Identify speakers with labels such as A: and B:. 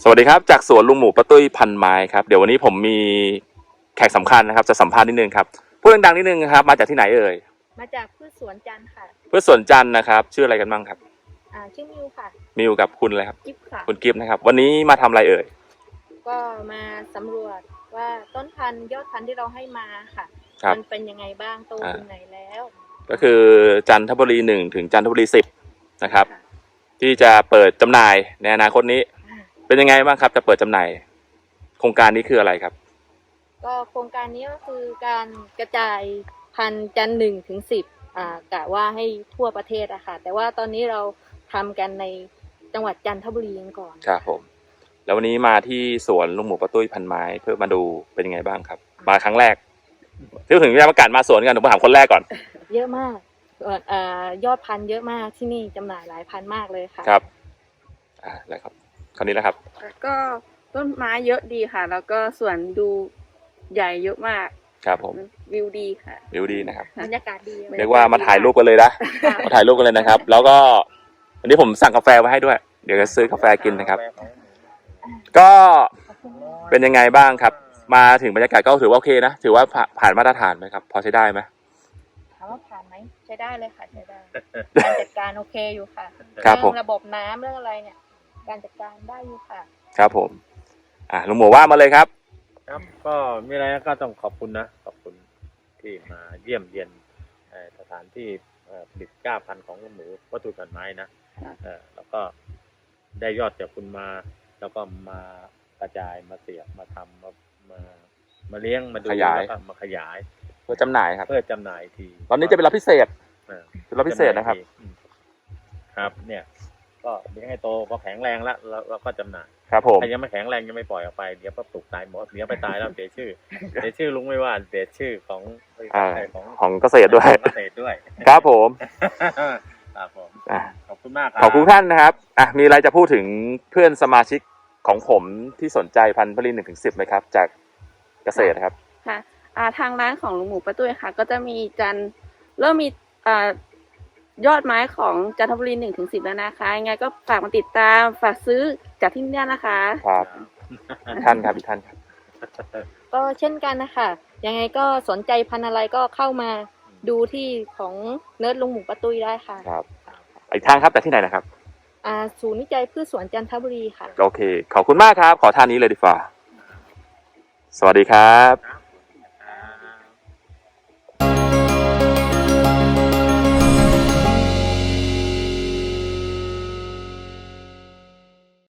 A: สวัสดีครับจากสวนลุงหมูป้าตุ้ยพันไม้ครับเดี๋ยววันนี้ผมมีแขกสำคัญนะครับจะสัมภาษณ์นิดนึงครับพูดดังๆนิดนึงครับมาจากที่ไหนเอ่ย
B: มาจากพืชสวนจันทร์ค่ะ
A: พืชสวนจันทร์นะครับชื่ออะไรกันบ้างครับ
B: ชื่อมิวค่ะ
A: มิวกับคุณอะไรครับ
B: กิฟค่ะ
A: คุณกิฟต์นะครับวันนี้มาทำอะไรเอ่ย
B: ก็มาสำรวจว่าต้นพันธุ์ยอดพันธุ์ที่เราให้มาค่ะมันเป็นยังไงบ้างโตถึงไหนแล้ว
A: ก็คือจันทบุรี1ถึงจันทบุรี10นะครับที่จะเปิดจำหน่ายในอนาคตนี้เป็นยังไงบ้างครับจะเปิดจำหน่ายโครงการนี้คืออะไรครับ
B: ก็โครงการนี้ก็คือการกระจายพันธุ์จันทร์1 ถึง 10กะว่าให้ทั่วประเทศอะค่ะแต่ว่าตอนนี้เราทำกันในจังหวัดจันทบุรีกันก่อน
A: ครับผมแล้ววันนี้มาที่สวนลุงหมูป้าตุ้ยพันไม้เพื่อมาดูเป็นยังไงบ้างครับมาครั้งแรกที่ถึงจะประกาศมาสวนกันผมถามคนแรกก่อน
B: เยอะมากยอดพันธุ์เยอะมากที่นี่จำหน่ายหลายพันมากเลยค่ะ
A: ครับแล้วครับคราวนี้แล้วครับ
C: ก็ต้นไม้เยอะดีค่ะแล้วก็สวนดูใหญ่เยอะมาก
A: ครับผม
C: วิวดีค่ะ
A: วิวดีนะครับ
B: บรรยากาศดี
A: เรียกว่ามาถ่ายรูปกันเลยนะมาถ่ายรูปกันเลยนะครับแล้วก็วันนี้ผมสั่งกาแฟไว้ให้ด้วยเดี๋ยวจะซื้อกาแฟกินนะครับก็เป็นยังไงบ้างครับมาถึงบรรยากาศก็ถือว่าโอเคนะถือว่าผ่านมาตรฐานไหมครับพอใช้ได้ไหม
B: ถามว่าผ่านไหมใช้ได้เลยค่ะใช้ได้การจัดการโอเคอยู่ค่ะ
A: เรื่อง
B: ระบบน้ำเรื่องอะไรเนี่ยการจัดการได้อยู่ค่ะ
A: ครับผมลุงหมูว่ามาเลยครับ
D: ครับก็มีอะไรก็ต้องขอบคุณนะขอบคุณที่มาเยี่ยมเยียนสถานที่ผลิตกล้าพันธุ์ของลุงหมูวัตถุพันไม้นะแล้วก็ได้ยอดจากคุณมาแล้วก็มากระจายมาเสียบมาทำมาเลี้ยงมาดูแล้วก็มาขยาย
A: เพื่อจำหน่ายครับ
D: เพื่อจำหน่ายที
A: ตอนนี้จะเป็นรับพิเศษเป็นรับพิเศษนะครับ
D: ครับเนี่ยก็เลี้ยงให้โตก็แข็งแรงแล้วเราก็จำหน่าย
A: ครับผม
D: ใครยังไม่แข็งแรงยังไม่ปล่อยออกไปเดี๋ยวก็ปลูกตายหมดเดี๋ยวไปตายแล้วเสียชื่อเสียชื่อลุงไม่ว่าเสียชื่อ
A: ของเกษตรด้วยครับผม
D: ครับผมขอบคุณมากครับ
A: ขอบคุณท่านนะครับมีอะไรจะพูดถึงเพื่อนสมาชิกของผมที่สนใจพันธุ์ผลิต1 ถึง 10ไหมครับจากเกษตรครับ
C: ค่ะทางร้านของลุงหมูป้าตุ้ยค่ะก็จะมีเริ่มมียอดไม้ของจันทบุรี1 ถึง 10แล้วนะคะยังไงก็ฝากมาติดตามฝากซื้อจากที่นี่นะคะ
A: ครับท่านครับอีกท่านครับ
B: ก็เช่นกันนะคะยังไงก็สนใจพันธุ์อะไรก็เข้ามาดูที่ของเนิร์ดลุงหมูป้าตุ้ยได้ค่ะ
A: ครับอีกทางครับแต่ที่ไหนนะครับ
B: ศูนย์วิจัยพืชสวนจันทบุรีค่ะ
A: โอเคขอบคุณมากครับขอท่านนี้เลยดีกว่าสวัสดีครับ